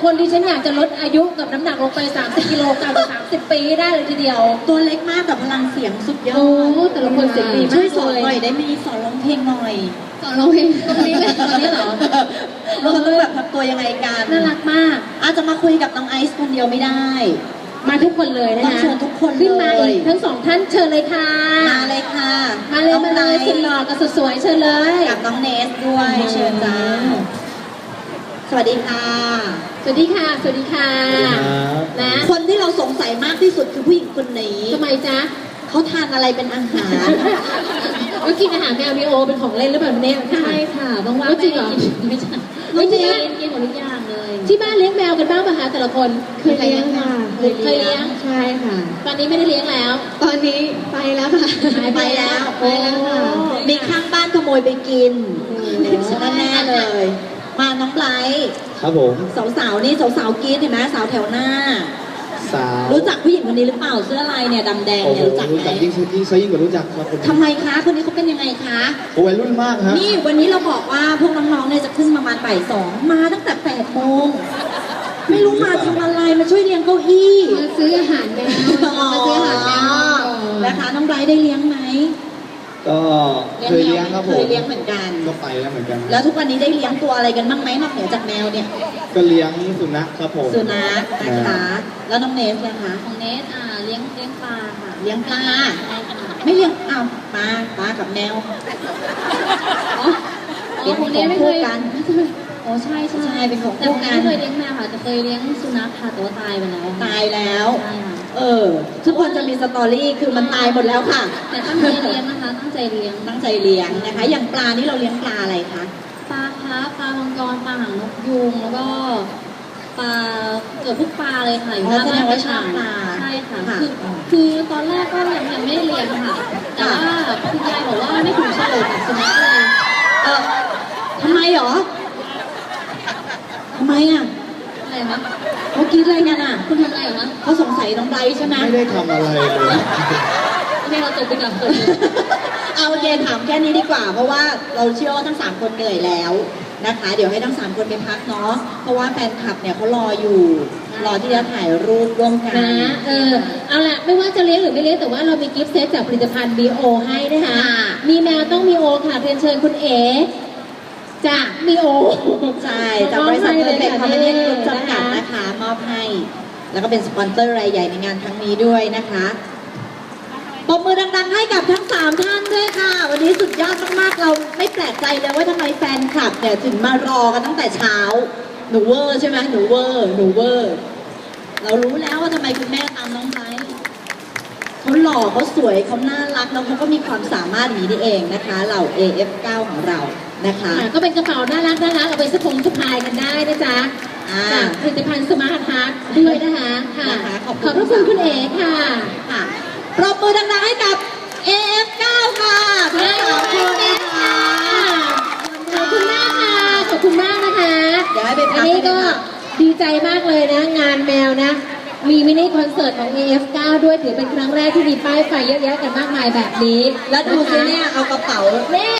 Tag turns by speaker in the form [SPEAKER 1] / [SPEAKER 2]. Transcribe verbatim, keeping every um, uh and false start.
[SPEAKER 1] คนที่ฉันอยากจะลดอายุกับน้ำหนักลงไปสามสิบกิโลกรัมสามสิบปีได้เลยทีเดียว
[SPEAKER 2] ตัวเล็กมากแต่พลังเสียงสุดยอ
[SPEAKER 1] โอ้
[SPEAKER 2] ด
[SPEAKER 1] แต่ละคนเสียงดี
[SPEAKER 2] ช่
[SPEAKER 1] มา
[SPEAKER 2] วย
[SPEAKER 1] ก
[SPEAKER 2] สอน
[SPEAKER 1] เลย
[SPEAKER 2] หน่อยได้ไหมสอนร้องเพลงหน่อย
[SPEAKER 1] สอนร้องเพลงตรงนี้เลยตอนนี้เหรอ
[SPEAKER 2] เราต้องแบบทำตัวยังไงกัน
[SPEAKER 1] น่ารักมาก
[SPEAKER 2] อาจจะมาคุยกับน้องไอซ์คนเดียวไม่ได้
[SPEAKER 1] มาทุกคนเลยนะ
[SPEAKER 2] ต้อง
[SPEAKER 1] คะ
[SPEAKER 2] เชิญทุกคน
[SPEAKER 1] ขึ้นมา
[SPEAKER 2] เลย
[SPEAKER 1] อีกทั้งสองท่านเชิญเลยค่ะ
[SPEAKER 2] มาเลยค่ะ
[SPEAKER 1] มาเลย
[SPEAKER 2] น้อง
[SPEAKER 1] มาเลย
[SPEAKER 2] ไนท์
[SPEAKER 1] สุดหล่อกับสุดสวยเชิญเลย
[SPEAKER 2] กับน้องเนสด้วยเชิญจ้าสวัสดีค่ะ
[SPEAKER 1] สวัสดีค่ะ สวัสดีค่ะ นะ
[SPEAKER 2] คนที่เราสงสัยมากที่สุดคือผู้หญิงคนนี้
[SPEAKER 1] ทำไมจ๊ะ
[SPEAKER 2] เขาทานอะไรเป็นอาหาร
[SPEAKER 1] ก็กินอาหารแมวมีโอเป็นของเล่นหรือเปล่าเนี่ย
[SPEAKER 3] ใช่ค่ะบางวัน
[SPEAKER 1] จริงเหรอ
[SPEAKER 3] ไม่ใช่
[SPEAKER 1] ไม่จริง
[SPEAKER 3] กินกินหมดทุกอย่างเลย
[SPEAKER 1] ที่บ้านเลี้ยงแมวกันบ้างป่ะคะแต่ละคน
[SPEAKER 3] เคยเลี้ยงค่ะ
[SPEAKER 1] เคยเลี้ยง
[SPEAKER 3] ใช่ค่ะ
[SPEAKER 1] ตอนนี้ไม่ได้เลี้ยงแล้ว
[SPEAKER 3] ตอนนี้ไปแล้วค่ะ
[SPEAKER 2] ไปแล้ว
[SPEAKER 3] ไปแล้วค่ะ
[SPEAKER 2] มีข้างบ้านขโมยไปกินฉันแน่ๆเลย มาน้องไบรท์
[SPEAKER 4] ครับผม
[SPEAKER 2] สาวๆนี่สาวๆกรี๊ดเห็นไหมสาวแถวหน้า
[SPEAKER 4] สาว
[SPEAKER 2] รู้จักผู้หญิงคนนี้หรือเปล่าเสื้อลายเนี่ยดำแดง
[SPEAKER 4] โอ้
[SPEAKER 2] เนี่ย
[SPEAKER 4] โห
[SPEAKER 2] รู้จัก
[SPEAKER 4] รู้
[SPEAKER 2] ไหม
[SPEAKER 4] จักยิ่งยิ่งซะยิ่งกว่ารู้จักครับคนนี้
[SPEAKER 2] ทำไมคะคนนี้เขาเป็นยังไงคะ
[SPEAKER 4] โอ้วัยรุ่นมากฮะ
[SPEAKER 2] นี่วันนี้เราบอกว่าพวกน้องๆเนี่ยจะขึ้นประมาณบ่ายสองมาตั้งแต่แปดโมงไม่รู้มาทำอะไรมาช่วยเลี้ยงเก้าอี้
[SPEAKER 1] มาซื้ออาหารแมวมาซื้ออาหารแมว
[SPEAKER 2] นะคะน้องไบรท์ได้เลี้ยงไหม
[SPEAKER 4] ก็เคยเลี้ยงครับผม
[SPEAKER 2] เคยเลี้ยงเหมือนกัน
[SPEAKER 4] ก็ไปแล้วเหมือนกัน
[SPEAKER 2] แล้วทุกวันนี้ได้เลี้ยงตัวอะไรกันบ้างไหมนอกเหนือจากแมวเนี่ย
[SPEAKER 4] ก็เลี้ยงสุนัขครับผม
[SPEAKER 2] สุนัขนะคะ แล้วน้องเนสนะคะ
[SPEAKER 3] ของเนสอ่าเลี้ยงเลี้ยงปลาค่ะ
[SPEAKER 2] เลี้ยงปลา
[SPEAKER 3] ใช่ค่ะ
[SPEAKER 2] ไม่เลี้ยงอ้าวปลาปลากับแมว
[SPEAKER 3] อ๋ออ๋อของเนสไม่เคย
[SPEAKER 2] กัน
[SPEAKER 3] อ๋อใช่ใช่
[SPEAKER 2] ใช่เป็นของ
[SPEAKER 3] แต่
[SPEAKER 2] คู่
[SPEAKER 3] ของเน
[SPEAKER 2] กั
[SPEAKER 3] ส
[SPEAKER 2] น
[SPEAKER 3] ไม่เคยเลี้ยงแมวค่ะแต่เคยเลี้ยงสุนัขค่ะแต่ว่าตายไปแล้ว
[SPEAKER 2] ตายแล้ว
[SPEAKER 3] ใช่ค่ะ
[SPEAKER 2] เออ ทุกคนจะมีสตอรี่คือมันตายหมดแล้วค่ะ
[SPEAKER 3] แต่ตั้งใจเลี้ยงนะคะ ตั้งใจเลี้ยง
[SPEAKER 2] ตั้งใจเลี้ยงนะคะ อย่างปลานี่เราเลี้ยงปลาอะไรคะ
[SPEAKER 3] ปลาคาร์ฟปลามังกรปลาหางนกยูงแล้วก็ปลาเกือบทุกปลาเลยค่ะอยู่
[SPEAKER 2] อ๋อ
[SPEAKER 3] หน้า
[SPEAKER 2] แสด
[SPEAKER 3] บ้าน
[SPEAKER 2] งว่าชอบปลา
[SPEAKER 3] ใช่ค่ะ
[SPEAKER 2] ค่ะ
[SPEAKER 3] คือคือตอนแรกก็ยังยังไม่ได้เลี้ยงค่ะ แต่ว่าคุณยายบอกว่าไม่ถูกเฉลยกับสุนัขเลย
[SPEAKER 2] เออทำไมหรอทำไมอ่ะ
[SPEAKER 3] อะไรคะ
[SPEAKER 2] เขาคิดอะไรกันอ่ะ
[SPEAKER 3] คุณทำอะไรเหรอคะ
[SPEAKER 2] เขาสงสัยน้องไบรท์ใช่ไหม
[SPEAKER 4] ไม่ได้ทำอะไรเลย
[SPEAKER 3] ไม่เราจบไปกับคนอื่น
[SPEAKER 2] เอาโอเคถามแค่นี้ดีกว่า เพราะว่าเราเชื่อว่าทั้งสามคนเหนื่อยแล้วนะคะ เดี๋ยวให้ทั้งสามคนไปพักเนาะเพราะว่าแฟนคลับเนี่ยเขารออยู่ รอที่จะถ่ายรูปร่วมกัน
[SPEAKER 1] นะเออเอาละไม่ว่าจะเลี้ยงหรือไม่เลี้ยงแต่ว่าเรามีกิฟต์เซตจากผลิตภัณฑ์ บี โอ ให้นะคะ
[SPEAKER 2] ค่ะ
[SPEAKER 1] มีแมวต้องมีโอค่ะเรียนเชิญคุณเอ๋จากมีโอ
[SPEAKER 2] ใช่จากบริษัทเพิร์เฟกต์คอมพานีกรุ๊ปจำกัดนะคะ มอบให้ แล้วก็เป็นสปอนเซอร์รายใหญ่ในงานครั้งนี้ด้วยนะคะปรบมือดังๆให้กับทั้งสามท่านด้วยค่ะ วันนี้สุดยอดมากๆ เราไม่แปลกใจเลยว่าทำไมแฟนคลับเนี่ยถึงมารอกันตั้งแต่เช้า หนูเวอร์ใช่ไหมหนูเวอร์หนูเวอร์ เรารู้แล้วว่าทำไมคุณแม่ตามน้องไบรท์เขาหล่อเขาสวยเขาน่ารักแล้วเขาก็มีความสามารถอย่างนี้นี่เองนะคะเหล่า เอ เอฟ เก้า ของเรานะคะ
[SPEAKER 1] ค่ะก็เป็นกระเป๋าน่ารักน่ารักเอาไปสะพงสะพายกันได้นะจ๊ะ
[SPEAKER 2] อ่า
[SPEAKER 1] จากผลิตภัณฑ์สมาร์ทฮาร์ทด้วยนะคะค่ะ
[SPEAKER 2] นะคะขอบคุณ
[SPEAKER 1] ขอบพระคุณคุณเอ๋ค่ะ
[SPEAKER 2] ค่ะปรบมือดังๆให้กับ เอ เอฟ เก้า ค่ะทั้งสามคนนะคะ
[SPEAKER 1] ขอบคุณมากค่ะ ขอบคุณมากนะคะ
[SPEAKER 2] เดี๋ยวให้ไปพั
[SPEAKER 1] อั
[SPEAKER 2] ก
[SPEAKER 1] นนี้ก็
[SPEAKER 2] ให้ไปพัก
[SPEAKER 1] ดีใจมากเลยนะ งานแมวนะ มีมินิคอนเสิร์ตของ เอ เอฟ เก้า ด้วยถือเป็นครั้งแรกที่มีป้ายไฟเยอะแยะกันมากมายแบบนี้
[SPEAKER 2] แล้วดูสิเนี่ยเอากระเป๋า
[SPEAKER 1] นี่